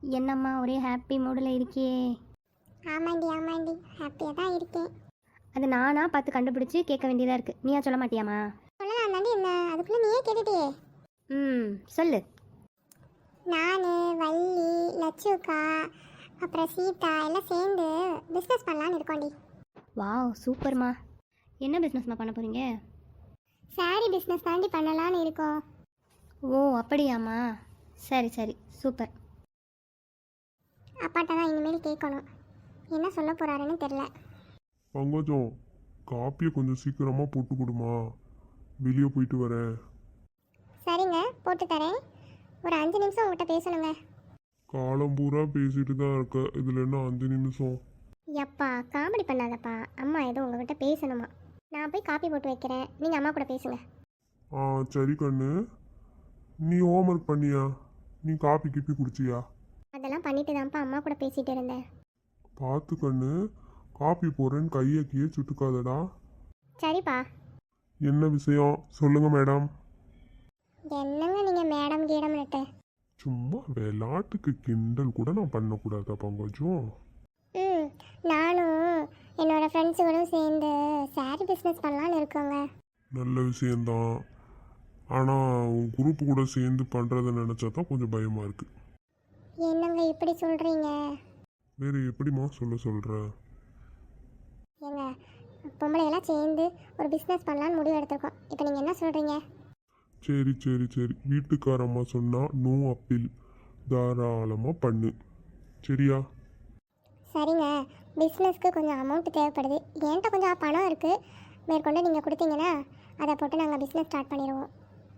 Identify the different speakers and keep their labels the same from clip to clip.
Speaker 1: என்னம்மா ஒரே ஹாப்பி மூடில் இருக்கியே?
Speaker 2: ஆமாண்டி ஆமாண்டி, ஹாப்பியாக தான் இருக்கேன்.
Speaker 1: அது நானா பார்த்து கண்டுபிடிச்சி கேட்க வேண்டியதாக இருக்குது. நீயா சொல்ல மாட்டியாம்மா?
Speaker 2: சொல்லலாம் தாண்டி, என்ன அதுக்குள்ளே நீயே கேட்டுட்டியே.
Speaker 1: சொல்லு.
Speaker 2: நான், வள்ளி, லட்சுக்கா, அப்புறம் சீதா எல்லாம் சேர்ந்து பிஸ்னஸ் பண்ணலான்னு இருக்கோண்டி.
Speaker 1: வாவ் சூப்பர்மா. என்ன பிஸ்னஸ்மா பண்ண போகிறீங்க?
Speaker 2: சாரி பிஸ்னஸ் தாண்டி பண்ணலான்னு இருக்கோம்.
Speaker 1: ஓ அப்படியாம்மா, சரி சரி சூப்பர்.
Speaker 2: அப்பாட்ட தான் இனிமேல் கேட்கணும், என்ன சொல்ல போகிறாருன்னு தெரில.
Speaker 3: பங்கஜம், காப்பியை கொஞ்சம் சீக்கிரமாக போட்டு கொடுமா, வெளியே போயிட்டு வரேன்.
Speaker 2: சரிங்க, போட்டு தரேன். ஒரு 5 நிமிஷம் உங்கள்கிட்ட பேசணுங்க.
Speaker 3: காலம் பூரா பேசிட்டு தான் இருக்க, இதில் என்ன 5 நிமிஷம்?
Speaker 2: எப்பா காமெடி பண்ணாதப்பா, அம்மா ஏதோ உங்ககிட்ட பேசணுமா. நான் போய் காப்பி போட்டு வைக்கிறேன், நீங்கள் அம்மா கூட பேசுங்க.
Speaker 3: ஆ சரி கண்ணு. நீ ஹோம்ஒர்க் பண்ணியா? நீ காப்பி கிப்பி குடிச்சியா?
Speaker 2: அதெல்லாம் பண்ணிட்டு தான்ப்பா அம்மா கூட பேசிகிட்டு இருந்தேன்.
Speaker 3: பார்த்து கண்ணு, காப்பி போடுறேன்னு கையை கீழே சுட்டுக்காதடா.
Speaker 2: சரிப்பா.
Speaker 3: என்ன விஷயம் சொல்லுங்க மேடம்.
Speaker 2: என்னங்க நீங்கள் மேடம் கீடம்னுட்டு?
Speaker 3: சும்மா விளையாட்டுக்கு கிண்டல் கூட நான் பண்ணக்கூடாதா பங்கஜம்?
Speaker 2: நானும் என்னோடய ஃப்ரெண்ட்ஸுகளும் சேர்ந்து சாரி பிஸ்னஸ் பண்ணலான்னு இருக்கோங்க.
Speaker 3: நல்ல விஷயந்தான். ஆனால் உன் குரூப் கூட சேர்ந்து பண்ணுறதை நினச்சா தான் கொஞ்சம் பயமாக இருக்குது.
Speaker 2: என்னங்க இப்படி சொல்கிறீங்க?
Speaker 3: வேறு எப்படிம்மா சொல்கிற?
Speaker 2: ஏங்க, பொம்பளையெல்லாம் சேர்ந்து ஒரு பிஸ்னஸ் பண்ணலான்னு முடிவு எடுத்திருக்கோம். இப்போ நீங்கள் என்ன சொல்கிறீங்க?
Speaker 3: சரி சரி சரி, வீட்டுக்காரம்மா சொன்னால் நோ அப்பீல், தாராளமாக பண்ணு. சரியா?
Speaker 2: சரிங்க, பிஸ்னஸ்க்கு கொஞ்சம் அமௌண்ட் தேவைப்படுது. என்கிட்ட கொஞ்சம் பணம் இருக்குது, மேற்கொண்டு நீங்கள் கொடுத்தீங்கன்னா அதை போட்டு நாங்கள் பிஸ்னஸ் ஸ்டார்ட் பண்ணிடுவோம்.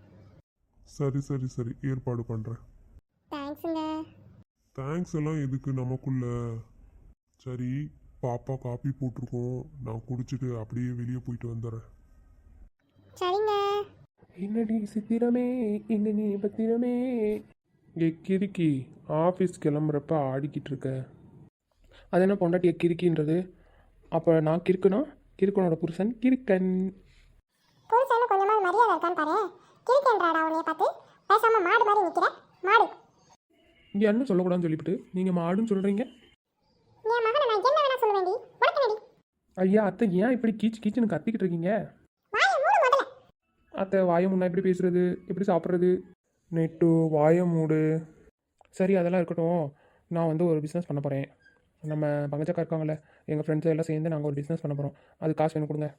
Speaker 3: சரி சரி சரி, ஏற்பாடு பண்ணுறேன்.
Speaker 2: தேங்க்ஸுங்க.
Speaker 3: தேங்க்ஸ் எல்லாம் எதுக்கு நமக்குள்ள. சரி, பாப்பா காப்பி போட்டிருக்கோம், நான் குடிச்சிட்டு அப்படியே வெளியே போயிட்டு வந்துடுறேன்.
Speaker 2: சரிங்க.
Speaker 4: என்னடி சித்திரமே, இங்க நீ பத்திரமே. கிறுக்கி, ஆஃபீஸ் கிளம்புறப்ப ஆடிக்கிட்டு இருக்க. அது என்ன பொண்டாட்டிய கிறுக்கின்றது? அப்போ நான் கிறுக்கணும், கிறுக்கனோட புருஷன் கிறுக்கன்.
Speaker 2: புருஷன்னு கொஞ்சமாக மரியாதை இருக்கான்னு பாரு. கிறுக்கன்றாடா உன்னைய பார்த்து. பேசாமல் மாடு மாதிரி நிற்கிற மாடு.
Speaker 4: இங்கே என்ன சொல்லக்கூடாதுன்னு சொல்லிவிட்டு நீங்கள் மாடுன்னு சொல்கிறீங்க.
Speaker 2: என் மகனை நான் என்ன வேணா சொல்லுவேண்டி, உனக்கு நடி.
Speaker 4: ஐயா அத்தை, ஏன் இப்படி கீச்சு கீச்சுன்னு கத்திக்கிட்டு இருக்கீங்க?
Speaker 2: வாயை மூடு முதல்ல.
Speaker 4: அத்தை, வாயை முன்னா எப்படி பேசுறது, எப்படி சாப்பிட்றது? நெட்டு வாயை மூடு. சரி, அதெல்லாம் இருக்கட்டும். நான் வந்து ஒரு பிஸ்னஸ் பண்ண போகிறேன். நம்ம பங்கச்சக்கா இருக்காங்கல்ல, எங்கள் ஃப்ரெண்ட்ஸ் எல்லாம் சேர்ந்து நாங்கள் ஒரு பிஸ்னஸ் பண்ண போகிறோம். அது காசு வேணும், கொடுங்க.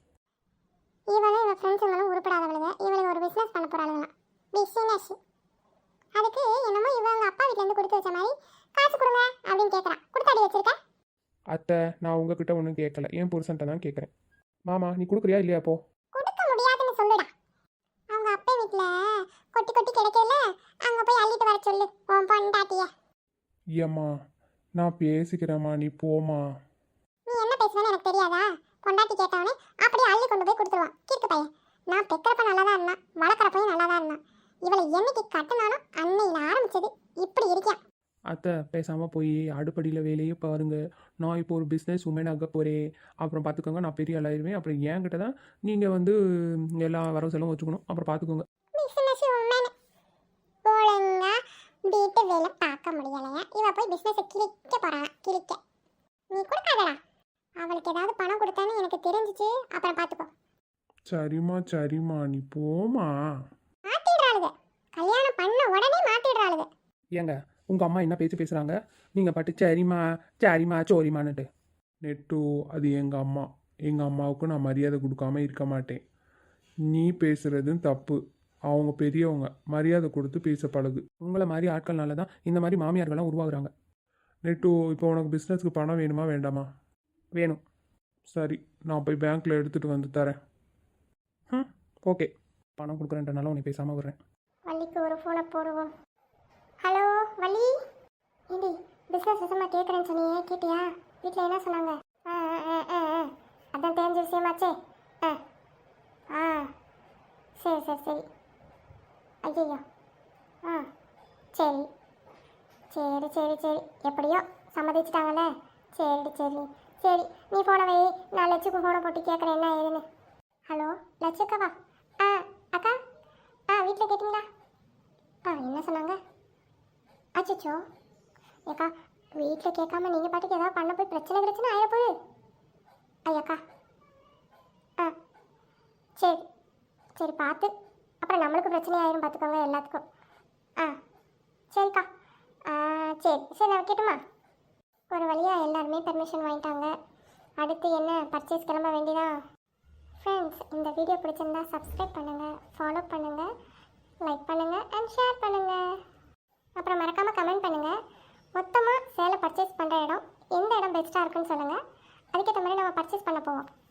Speaker 2: இவளும் இவன் ஃப்ரெண்ட்ஸுங்களும் உருப்படாதவளுங்க. இவளுக்கு ஒரு பிஸ்னஸ் பண்ண போகிறாளுங்க. பிஸ்னஸ். அதுக்கு என்னமோ இவங்க அப்பா வீட்டிலேருந்து கொடுத்து வச்ச மாதிரி காசு கொடுங்க அப்படின்னு கேட்குறான். கொடுத்தாடி வச்சிருக்க?
Speaker 4: அத்தை, நான் உங்ககிட்ட ஒன்றும் கேட்கல, என் புருஷன்ட்ட தான் கேட்குறேன். மாமா, நீ கொடுக்குறியா இல்லையா? அப்போ
Speaker 2: கொடுக்க முடியாதுன்னு சொல்லுடா. அவங்க அப்பா வீட்டில் கொட்டி கொட்டி கிடைக்கல, அங்கே போய் அள்ளிட்டு வர சொல்லு உன் பொண்டாட்டிய.
Speaker 4: ஏம்மா, நான் பேசிக்கிறேம்மா, நீ போமா.
Speaker 2: நீ என்ன பேசுவேன்னு எனக்கு தெரியாதா? பொண்டாட்டி கேட்டவனே அப்படியே அள்ளி கொண்டு போய் கொடுத்துருவான் கிறுக்கு பையன். நான் பெக்கிறப்ப நல்லா தான் இருந்தான், வளர்க்குறப்பையும் நல்லா தான் இருந்தான். இவளை என்னைக்கு கட்டினாலும் அன்னையில் ஆரம்பிச்சது இப்படி இருக்கியா?
Speaker 4: அத்தை, பேசாமல் போய் அடுப்படியில் வேலையே பாருங்க. நான் இப்போ ஒரு பிஸ்னஸ் உமன் ஆக போகிறேன். அப்புறம் பார்த்துக்கோங்க, நான் பெரிய ஆளாயிருவேன். அப்புறம் என்கிட்ட தான் நீங்கள் வந்து எல்லா வரவு செலவும் வச்சுக்கணும். அப்புறம் பார்த்துக்கோங்க.
Speaker 2: பிஸ்னஸ் உமன் ஒழுங்கா வீட்டு வேலை பார்க்க முடியலையா? இவ போய் பிஸ்னஸை கிழிக்க போறான். கிழிக்க நீ கொடுக்காதடா. அவளுக்கு ஏதாவது பணம் கொடுத்தான்னு எனக்கு தெரிஞ்சிச்சு, அப்புறம் பார்த்துக்கோ.
Speaker 4: சரிம்மா சரிம்மா, நீ போமா.
Speaker 2: மாத்திடுறாளுங்க, கல்யாணம் பண்ண உடனே மாத்திடுறாளுங்க.
Speaker 4: ஏங்க, உங்கள் அம்மா என்ன பேச்சு பேசுகிறாங்க, நீங்கள் பாட்டு சரிம்மா சரிம்மா சோரிம்மான்னுட்டு. நெட்டு, அது எங்கள் அம்மா. எங்கள் அம்மாவுக்கு நான் மரியாதை கொடுக்காம இருக்க மாட்டேன். நீ பேசுகிறதும் தப்பு. அவங்க பெரியவங்க, மரியாதை கொடுத்து பேச பழகு. உங்களை மாதிரி ஆட்கள்னால தான் இந்த மாதிரி மாமியார்கள்லாம் உருவாகுறாங்க. நெட்டு, இப்போ உனக்கு பிஸ்னஸ்க்கு பணம் வேணுமா வேண்டாமா? வேணும். சரி, நான் போய் பேங்க்கில் எடுத்துகிட்டு வந்து தரேன். ஓகே, பணம் கொடுக்குறேன்றனால உன்னை பேசாமல் விடுறேன்.
Speaker 2: வள்ளிக்கு ஒரு ஃபோனை போடுவோம். ஹலோ வள்ளி. ஏண்டி பிஸ்னஸ் விஷயமா கேட்குறேன்னு சொன்னியே, கேட்டியா? வீட்டில் என்ன சொன்னாங்க? அதான் தெரிஞ்ச விஷயமாச்சே. சரி சரி சரி. ஐயோ. சரி சரி சரி சரி, எப்படியோ சம்மதிச்சிட்டாங்கல்ல. சரி சரி சரி, நீ ஃபோனை வை, நான் லட்சுக்கு ஃபோனை போட்டு கேட்குறேன் என்ன ஏதுன்னு. ஹலோ லட்சுக்காவா? அக்கா, வீட்டில் கேட்டிங்களா? என்ன சொன்னாங்க? அச்சோ, ஏக்கா வீட்டில் கேட்காம நீங்கள் பாட்டுக்கு ஏதாவது பண்ண போய் பிரச்சனை ஆயிடப்போகுது. ஐயாக்கா ஆ சரி சரி பார்த்து, அப்புறம் நம்மளுக்கு பிரச்சனை ஆயிரும் பார்த்துக்கோங்க எல்லாத்துக்கும். ஆ சரிக்கா. சரி சரி நான் வைக்கட்டுமா? ஒரு வழியாக எல்லாருமே பெர்மிஷன் வாங்கிட்டாங்க. அடுத்து என்ன, பர்ச்சேஸ் கிளம்ப வேண்டியதான். ஃப்ரெண்ட்ஸ், இந்த வீடியோ பிடிச்சிருந்தா சப்ஸ்கிரைப் பண்ணுங்கள், ஃபாலோ பண்ணுங்கள், லைக் பண்ணுங்கள் அண்ட் ஷேர் பண்ணுங்கள். அப்புறம் மறக்காமல் கமெண்ட் பண்ணுங்கள். மொத்தமாக சேலை பர்ச்சேஸ் பண்ணுற இடம் எந்த இடம் பெஸ்ட்டாக இருக்குன்னு சொல்லுங்கள். அதுக்கேற்ற மாதிரி நம்ம பர்ச்சேஸ் பண்ண போவோம்.